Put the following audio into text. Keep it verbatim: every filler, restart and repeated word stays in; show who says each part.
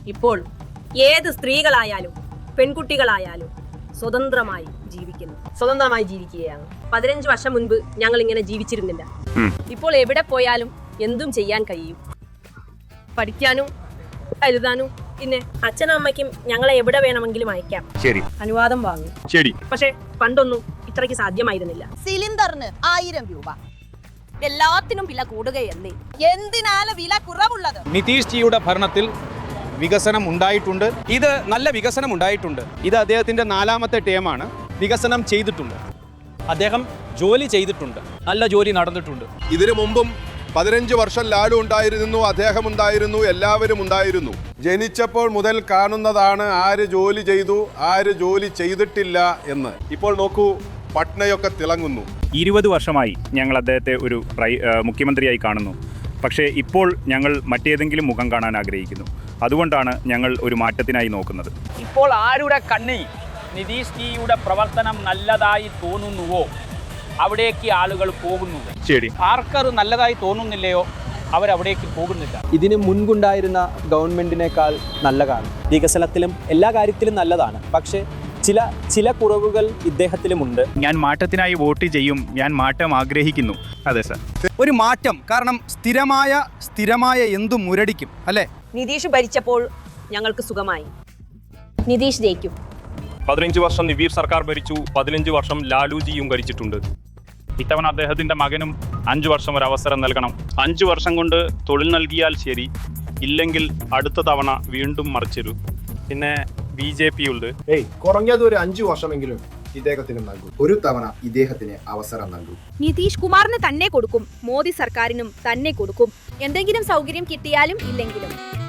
Speaker 1: ഇപ്പോൾ ഏത് സ്ത്രീകളായാലും പെൺകുട്ടികളായാലും സ്വതന്ത്രമായി ജീവിക്കുന്നു സ്വതന്ത്രമായി ജീവിക്കുകയാണ്. പതിനഞ്ച് വർഷം മുൻപ് ഞങ്ങൾ ഇങ്ങനെ ജീവിച്ചിരുന്നില്ല. ഇപ്പോൾ എവിടെ പോയാലും എന്തും ചെയ്യാൻ കഴിയും. പഠിക്കാനും എഴുതാനും പിന്നെ അച്ഛനും അമ്മയ്ക്കും ഞങ്ങളെ എവിടെ വേണമെങ്കിലും അയക്കാം.
Speaker 2: ശരി,
Speaker 1: അനുവാദം വാങ്ങും.
Speaker 2: ശരി.
Speaker 1: പക്ഷെ പണ്ടൊന്നും ഇത്രയ്ക്ക് സാധ്യമായിരുന്നില്ല.
Speaker 3: സിലിണ്ടറിന് ആയിരം രൂപ,
Speaker 1: എല്ലാത്തിനും വില കൂടുകയല്ലേ.
Speaker 3: എന്തിനാണ് വില കുറവുള്ളത്?
Speaker 4: നിതീഷ് ജിയുടെ ഭരണത്തിൽ വികസനം ഉണ്ടായിട്ടുണ്ട്.
Speaker 5: ഇത് നല്ല വികസനം ഉണ്ടായിട്ടുണ്ട്.
Speaker 4: ഇത് അദ്ദേഹത്തിന്റെ നാലാമത്തെ ടേമാണ്.
Speaker 5: വികസനം ചെയ്തിട്ടുണ്ട്. അദ്ദേഹം ജോലി ചെയ്തിട്ടുണ്ട്. നല്ല ജോലി നടന്നിട്ടുണ്ട്.
Speaker 6: ഇതിനു മുമ്പും പതിനഞ്ച് വർഷം ലാലു ഉണ്ടായിരുന്നു, അദ്ദേഹം ഉണ്ടായിരുന്നു, എല്ലാവരും ഉണ്ടായിരുന്നു. ജനിച്ചപ്പോൾ മുതൽ കാണുന്നതാണ് ആര് ജോലി ചെയ്തു, ആര് ജോലി ചെയ്തിട്ടില്ല എന്ന്. ഇപ്പോൾ നോക്കൂ, പട്നയൊക്കെ തിളങ്ങുന്നു.
Speaker 2: ഇരുപത് വർഷമായി ഞങ്ങൾ അദ്ദേഹത്തെ ഒരു മുഖ്യമന്ത്രിയായി കാണുന്നു. പക്ഷേ ഇപ്പോൾ ഞങ്ങൾ മറ്റേതെങ്കിലും മുഖം കാണാൻ ആഗ്രഹിക്കുന്നു. അതുകൊണ്ടാണ് ഞങ്ങൾ ഒരു മാറ്റത്തിനായി നോക്കുന്നത്.
Speaker 7: ഇപ്പോൾ ആരുടെ കണ്ണിൽ നിതീഷ് ജിയുടെ പ്രവർത്തനം നല്ലതായി തോന്നുന്നുവോ അവിടേക്ക് ആളുകൾ പോകുന്നു.
Speaker 2: ശരി.
Speaker 7: ആർക്കത് നല്ലതായി തോന്നുന്നില്ലയോ അവരവിടേക്ക് പോകുന്നില്ല.
Speaker 5: ഇതിന് മുൻപുണ്ടായിരുന്ന ഗവൺമെന്റിനേക്കാൾ നല്ലതാണ്. വികസനത്തിലും എല്ലാ കാര്യത്തിലും നല്ലതാണ്. പക്ഷേ ചില ചില കുറവുകൾ ഇദ്ദേഹത്തിലുമുണ്ട്.
Speaker 2: ഞാൻ മാറ്റത്തിനായി വോട്ട് ചെയ്യും. ഞാൻ മാറ്റം ആഗ്രഹിക്കുന്നു. അതെ സർ,
Speaker 8: ഒരു മാറ്റം. കാരണം സ്ഥിരമായ സ്ഥിരമായ എന്തും മുരടിക്കും അല്ലേ?
Speaker 1: നിതീഷ് ഭരിച്ചപ്പോൾ ഞങ്ങൾക്ക് സുഖമായി. നിതീഷ് ജയിക്കും.
Speaker 9: പതിനഞ്ച് വർഷം നിവീർ സർക്കാർ ഭരിച്ചു, പതിനഞ്ച് വർഷം ലാലുജിയും ഭരിച്ചിട്ടുണ്ട്.
Speaker 2: ഇത്തവണ അദ്ദേഹത്തിന്റെ മകനും അഞ്ചു വർഷം ഒരു അവസരം നൽകണം. അഞ്ചു വർഷം കൊണ്ട് തൊഴിൽ നൽകിയാൽ ശരി, ഇല്ലെങ്കിൽ അടുത്ത തവണ വീണ്ടും മറിച്ചൊരു. പിന്നെ ബി ജെ പി ഉണ്ട്.
Speaker 10: ഏയ് കുറഞ്ഞത് ഒരു അഞ്ചു വർഷമെങ്കിലും ഇദ്ദേഹത്തിന് നൽകും. ഒരു തവണ ഇദ്ദേഹത്തിന് അവസരം നൽകും.
Speaker 3: നിതീഷ് കുമാറിന് തന്നെ കൊടുക്കും. മോദി സർക്കാരിനും തന്നെ കൊടുക്കും. എന്തെങ്കിലും സൗകര്യം കിട്ടിയാലും ഇല്ലെങ്കിലും.